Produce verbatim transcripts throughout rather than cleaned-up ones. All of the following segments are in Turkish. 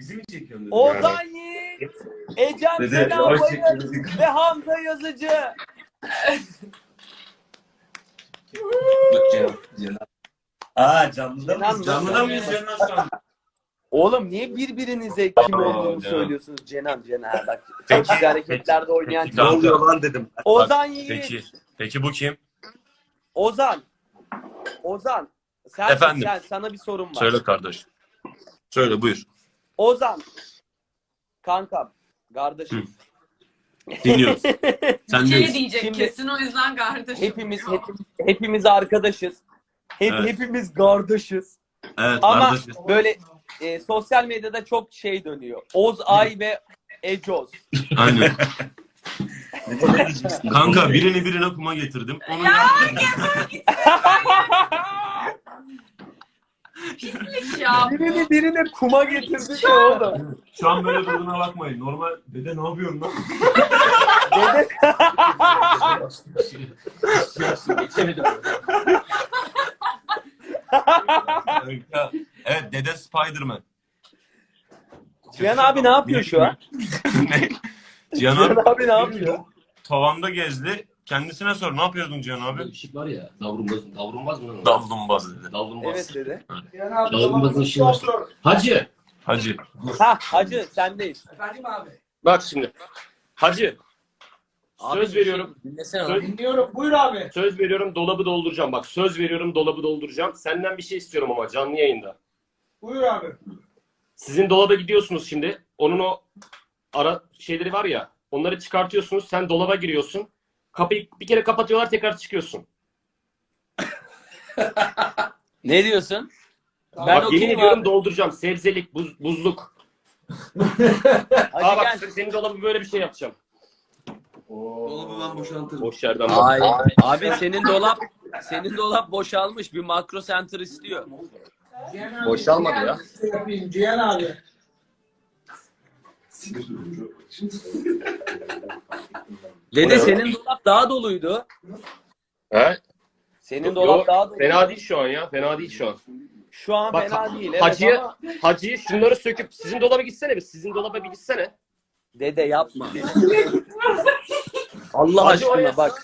Bizi mi çekiyorsun dedim. Ozan Yiğit, Ecem Dede, Sena yavaş Bayır çekiyoruz. ve Hamza Yazıcı. Yok Cenan. Cenan. Aa canlıda Cenan mıyız? mı? Canlıda mıyız Cenan şu an? Oğlum niye birbirinize kim Aa, olduğunu Cenan. söylüyorsunuz Cenan Cenan bak. Çok Peki, güzel hareketlerde oynayan Ne Cenan. oluyor lan dedim. Ozan Yiğit. Peki. Peki bu kim? Ozan. Ozan. Sen, Efendim? sen sana bir sorum var. Söyle kardeş. Söyle buyur. Ozan. Kankam. Kardeşim. Dinliyoruz. Şey Sendeyiz. diyecek Şimdi- kesin o yüzden kardeşim. Hepimiz hepimiz, hepimiz arkadaşız. Hep, Evet. Hepimiz kardeşiz. Evet Ama kardeşiz. böyle e, sosyal medyada çok şey dönüyor. Ozay ve Ecoz. Aynen. Ne diyeceksin? Kanka birini birine kuma getirdim. Onu Ya yaptım. pislik ya. Birini birine kuma getirdik ya oğlum. Şu an böyle durduğuna bakmayın. Normal dede ne yapıyorsun lan? Dede... Geçemedim. Kanka, evet dede Spiderman. Cihan abi ne yapıyor şu an? Ne? Cihan Cihan abi abi ne yapıyor? tavanda gezdi. Kendisine sor. Ne yapıyordun Cihan abi? Işık var ya, davrumbaz, davrumbaz mı lan o? Davlumbaz dedi. Davrumbaz. Evet dedi. Davrumbazın ışığı var. Hacı, Hacı. Ha hacı sendeyiz. Efendim abi. bak şimdi. Hacı, Abi, söz veriyorum. Dinlesene Söz, Dinliyorum. Buyur abi. söz veriyorum, dolabı dolduracağım. Bak söz veriyorum, dolabı dolduracağım. Senden bir şey istiyorum ama canlı yayında. Buyur abi. Sizin dolaba gidiyorsunuz şimdi. Onun o ara şeyleri var ya. Onları çıkartıyorsunuz. Sen dolaba giriyorsun. Kapıyı bir kere kapatıyorlar, tekrar çıkıyorsun. Ne diyorsun? Ben Ben Bak yemin okeyim ediyorum abi. dolduracağım. Sebzelik, buz, buzluk. Hadi Aa bak gel. senin dolabı böyle bir şey yapacağım. Dolabı ben boşaltırım. Boş yerden Ay, bak. abi senin dolap senin dolap boşalmış. Bir makro center istiyor. Cihan abi. Boşalmadı ya. Şey yapayım Cihan abi. Dede senin dolap daha doluydu. He? Senin Yo, dolap daha doluydu. fena değil şu an ya. Fena değil şu an. Şu an Bak, fena değil. Evet Hacı'ya ama Hacı'ya şunları söküp sizin dolaba gitsene bir. Sizin dolaba bir gitsene. dede yapma. Allah Hacı oraya aşkına bak.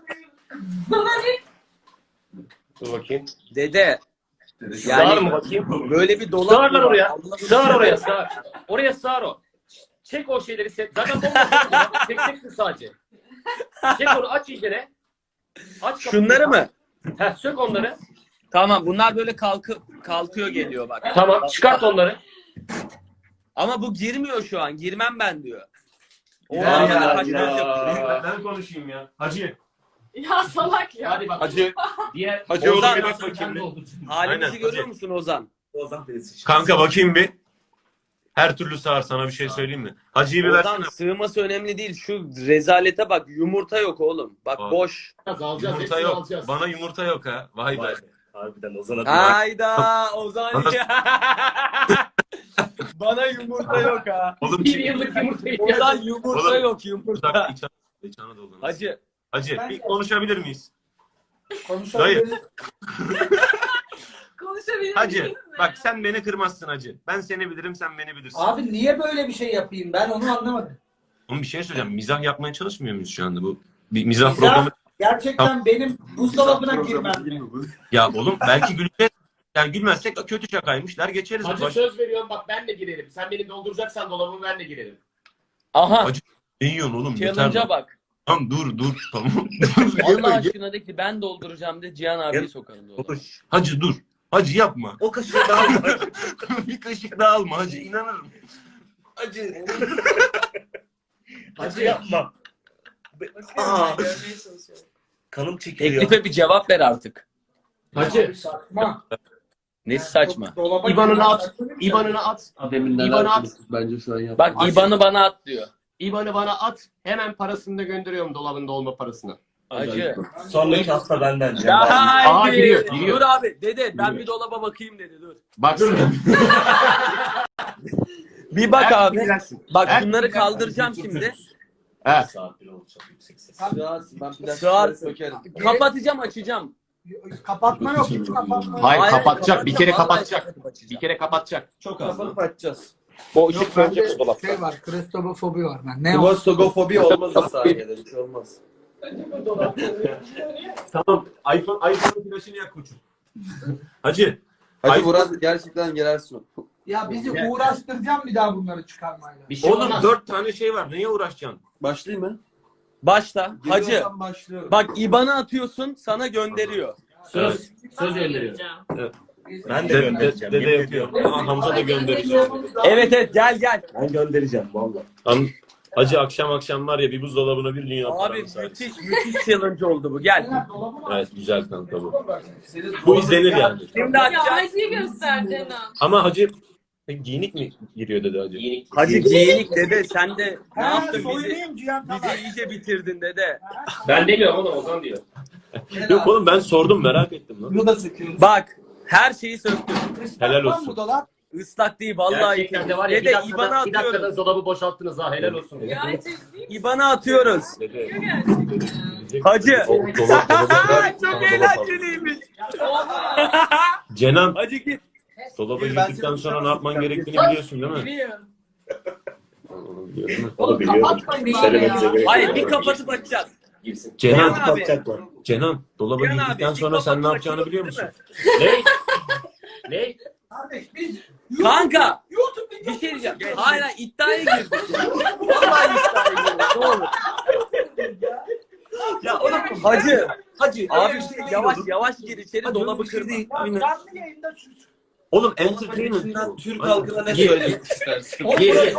Dur bakayım. Dede Sığar yani mı bakayım? böyle bir dolap Sığar lan mı var? oraya. Allah'ını Sığar seversen. oraya sığar. Oraya sığar o. Çek o şeyleri. Set. Zaten bomba. Çekeceksin sadece. Çek onu aç iyicene. Aç kapıyı. Şunları mı? Heh, sök onları. Tamam bunlar böyle kalkı kalkıyor geliyor bak. Tamam çıkart onları. Ama bu girmiyor şu an. Girmem ben diyor. O Ya, arada ya, kaçmak ya. yapıyor. Ben konuşayım ya. Hacı. Ya salak ya. Hadi bak. Hacı. Diğer Hacı oğlum Ozan, bir bak bakayım bir. Halimizi Aynen, görüyor hadi. musun Ozan? Ozan birisi. Kanka bakayım bir. Her türlü sağır, sana bir şey söyleyeyim mi? Hacı'yı bir Ozan versene. sığması önemli değil. Şu rezalete bak. Yumurta yok oğlum. Bak Aa. boş. alacağız. Yumurta Hepsini yok. alacağız. Bana yumurta yok ha. Vay be. Vay be. Harbiden Ozan'a bir Hayda Ozan. Bana- Bana yumurta yok ha. Oğlum Bir kim? yıllık yumurta Ozan ihtiyacı. yumurta Oğlum, yok yumurta. Uzak İç, İç Anadolu'nun. Hacı. Hacı bir konuşabilir miyiz? Konuşabiliriz. Konuşabilir Hacı miyiz? bak sen beni kırmazsın hacı. Ben seni bilirim, sen beni bilirsin. Abi niye böyle bir şey yapayım? Ben onu anlamadım. Oğlum bir şey söyleyeceğim. Mizah yapmaya çalışmıyor muyuz şu anda bu? Bir mizah, Mizah- programı. Gerçekten benim buzdolabına girmem. Ya oğlum belki güleceğiz. Yani gülmezsek kötü şakaymış der geçeriz. Hacı Baş... söz veriyorum bak ben de girerim. Sen beni dolduracaksan dolabımı ben de girerim. Aha. Hacı ne yiyorsun oğlum? Yeter. Challenge'a bak. Tamam dur dur tamam. Allah aşkına de ki ben dolduracağım de Cihan abiyi sokarım dolaba. Hacı dur. Hacı yapma. O kaşığı daha alma. Bir kaşık daha alma hacı. İnanırım. Hacı. Hacı yapma. Aa. Kanım çekiyor ya. Teklife bir cevap ver artık. Hacı Abi saçma. Nesi saçma? Dolaba İban'ını girmem. at. İban'ını at. Demin neler İban'ı at. konuştuk bence şu an yap. Bak İban'ı bana at diyor. İban'ı bana at. Hemen parasını da gönderiyorum dolabın dolma parasını. Hacı. Sonraki hafta benden. Ya Cem abi. haydi. Aa, giriyor, giriyor. Dur abi dede ben Giriyor. bir dolaba bakayım dedi dur. Bak Bir bak Her abi. türlü girersin. Bak Her bunları türlü kaldıracağım şimdi. He. Saat bile olacak yüksek ses. Sığarsın, ben plastik Sığar. sökerim. Kapatacağım açacağım. Kapatma yok. Hiç kapatma yok. Hayır, kapatacak. Bir kere kapatacağım, kapatacak. vallahi kapatıp açacağım. Bir kere kapatacak. Çok az. Kapatıp açacağız. O Yok ışık sönecek bende o dolapta. şey var, kristofobi var ben. Ne o? Klostogofobi olmaz o saniyede. Bir şey olmaz. Tamam. iPhone, iPhone'un flaşını yak koçum. Hacı. Hacı Ay- Murat gerçekten gelersin. Ya bizi uğraştıracağım bir daha bunları çıkarmayla. Bir şey Oğlum olmaz. dört tane şey var. Neye uğraşacaksın? Başlayayım mı? Başla. Hacı. Geliyorsan başlıyorum. Bak İban'ı atıyorsun sana gönderiyor. Söz. Söz gönderiyor. Ben de Dede, göndereceğim. dede yemin yapıyor. ediyorum. Aa, Hamza da gönderecek. Evet evet gel gel. Ben göndereceğim valla. Lan, Hacı akşam akşam var ya bir buzdolabına bir dünya Abi paranı sardı. müthiş müthiş challenge oldu bu gel. Evet güzel kanka bu. Bu izlenir yani. Şimdi Ya atacağız. Hacı'yı göster Cenan. Ama Hacı e, giyinik mi giriyor dedi Hacı? Yeni. Hacı giyinik dede sen de ne Ha, yaptın bizi? soyunayım Cihan, tamam. Bizi iyice bitirdin dede. Ben demiyorum oğlum Ozan diyor. Yok oğlum ben sordum merak ettim lan. Bunu da söküyoruz. Bak her şeyi söktüm. Helal Var olsun. mı dolap? Islak değil vallahi. Gerçekten de var ya bir Dede dakikada, İban'a bir dakikada atıyoruz. dolabı boşalttınız ha helal olsun. Gerçekten İban'a atıyoruz. Dede. gerçekten. Hacı. O dolap dolaba Çok eğlenceliymiş. Cenan Hacı git. dolaba Ben girdikten seni sonra ne yapman gerektiğini biliyorsun değil mi? Biliyorum. Onu biliyorum değil mi? Onu biliyorum. Kapatmayın bari Söylememize ya. gerek Hayır yok. bir kapatıp açacağız. Girsin. Cenan, Cihan abi. Kapatacaklar. Cenan dolaba Cihan abi, girdikten bir sonra sen ne kapatıp yapacağını biliyor musun? açıyoruz, Ne? Ne? Kardeş biz Kanka YouTube bir şey diyeceğim. Hayır hayır iddiaya girdik. Vallahi iddiaya girdik. Ne olur. Ya oğlum Hacı. Hacı. Abi yavaş yavaş gir içeri Hadi dolabı öyle bir şey kırma. değil. Bak, Aynen. canlı yayında şu. Oğlum entertainment. bu. Türk Aynen. halkına ne Gir. söylemek istersin? Gir gir.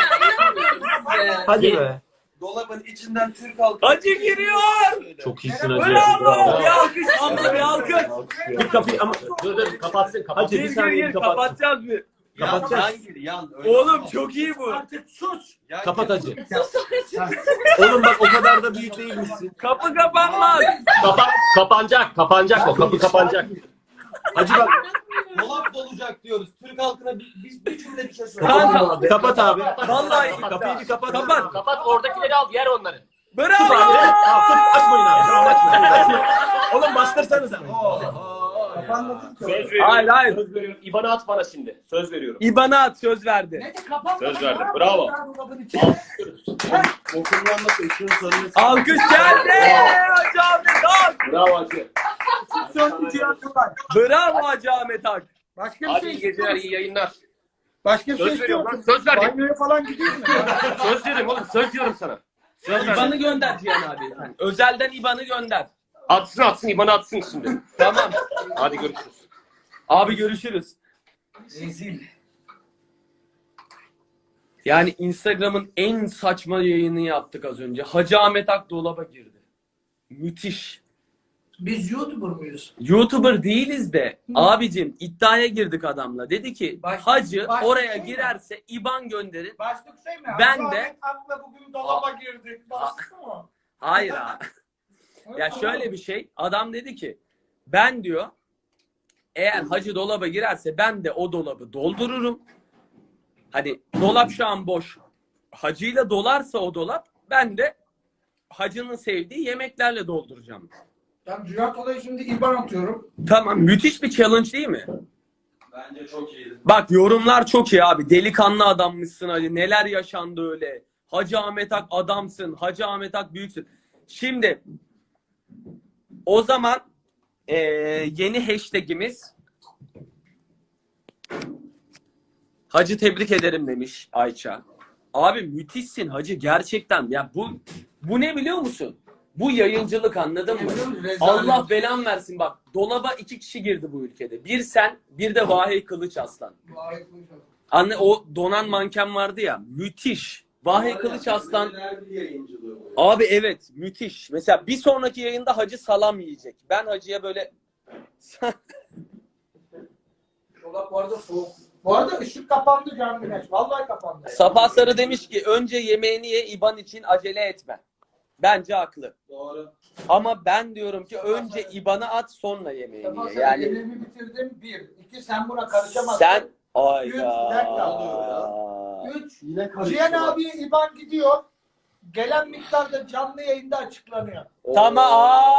Hadi be. Dolabın içinden Türk halkı. Hacı giriyor. Çok iyisin Hacı. Bravo. Bir alkış Hamza bir alkış. Bir kapıyı ama Dur dur kapatsın kapatsın. Hacı bir Gir gir saniye gir kapat. kapatacağız bir. Kapatacağız. Yan gir yan. Öyle Oğlum olmaz. çok iyi bu. Artık sus. Yan Kapat gir. Hacı. Oğlum bak o kadar da büyük değilmişsin. Kapı kapanmaz. Kapa kapanacak kapanacak o kapı kapanacak. Hacı bak Dolap dolacak diyoruz. Türk halkına bi- biz bir cümle bir şey söyle. Kanka. kapat abi. Vallahi Kapıyı bir kapat. Kapat. Kapat oradakileri al yer onları. Bravo. Açmayın abi. Tamam, açmayın. Oğlum bastırsanıza. Söz veriyorum. Hayır, hayır. Söz veriyorum. İban'ı at bana şimdi. Söz veriyorum. İban'a at söz verdi. Ne de kapat. Söz verdim, bravo. Okullarda seçiyorum sorunu. Alkış geldi. Hacı Ahmet Ak. Bravo Hacı. Söndü Cihan Tugay. Bravo Hacı Ahmet Ak. Başka bir Hadi şey iyi geceler, istiyor iyi yayınlar. Başka bir şey Söz istiyor veriyorum lan. musun? Söz verdim. Banyoya falan gidiyor mu? Söz veriyorum oğlum. Söz diyorum sana. Söz İban'ı verdim. gönder Cihan abi. Sen. Özelden İban'ı gönder. Atsın atsın. İban'ı atsın şimdi. Tamam. Hadi görüşürüz. Abi görüşürüz. Rezil. Yani Instagram'ın en saçma yayını yaptık az önce. Hacı Ahmet Ak dolaba girdi. Müthiş. Biz YouTuber muyuz? YouTuber değiliz de abicim iddiaya girdik adamla. Dedi ki Başka- Hacı başka oraya şey mi? girerse İban gönderin. Başlık şey mi? Ben Ahmet de- Ak'la bugün dolaba girdik. Başlık mı? Hayır abi. Ya şöyle bir şey. Adam dedi ki ben diyor eğer Hacı dolaba girerse ben de o dolabı doldururum. Hani dolap şu an boş. Hacı'yla dolarsa o dolap ben de Hacı'nın sevdiği yemeklerle dolduracağım. Ben Cihan Tugay'a şimdi İban atıyorum. Tamam müthiş bir challenge değil mi? Bence çok iyiydi. Bak yorumlar çok iyi abi. Delikanlı adammışsın hadi. Neler yaşandı öyle. Hacı Ahmet Ak adamsın. Hacı Ahmet Ak büyüksün. Şimdi o zaman eee, yeni hashtagimiz Hacı tebrik ederim demiş Ayça. Abi müthişsin Hacı gerçekten. Ya bu bu ne biliyor musun? Bu yayıncılık anladın mı? Rezalet. Allah belan versin bak. Dolaba iki kişi girdi bu ülkede. Bir sen, bir de Vahiy Kılıç Aslan. Anne o donan manken vardı ya. Müthiş. Vahiy Kılıç Aslan. Abi evet müthiş. Mesela bir sonraki yayında Hacı salam yiyecek. Ben Hacı'ya böyle Dolap bu arada soğuk. Bu arada ışık kapandı Can Güneş. Vallahi kapandı. Sabah Sarı demiş ki önce yemeğini ye İban için acele etme. Bence haklı. Doğru. Ama ben diyorum ki önce İban'ı at sonra yemeğini Sabah ye. sen Yani yemeğimi bitirdim. Bir. İki sen buna karışamazsın. sen Üç, ayda. bir dakika. Üç. Yine Cihan abiye İban gidiyor. Gelen miktarda canlı yayında açıklanıyor. Tamam.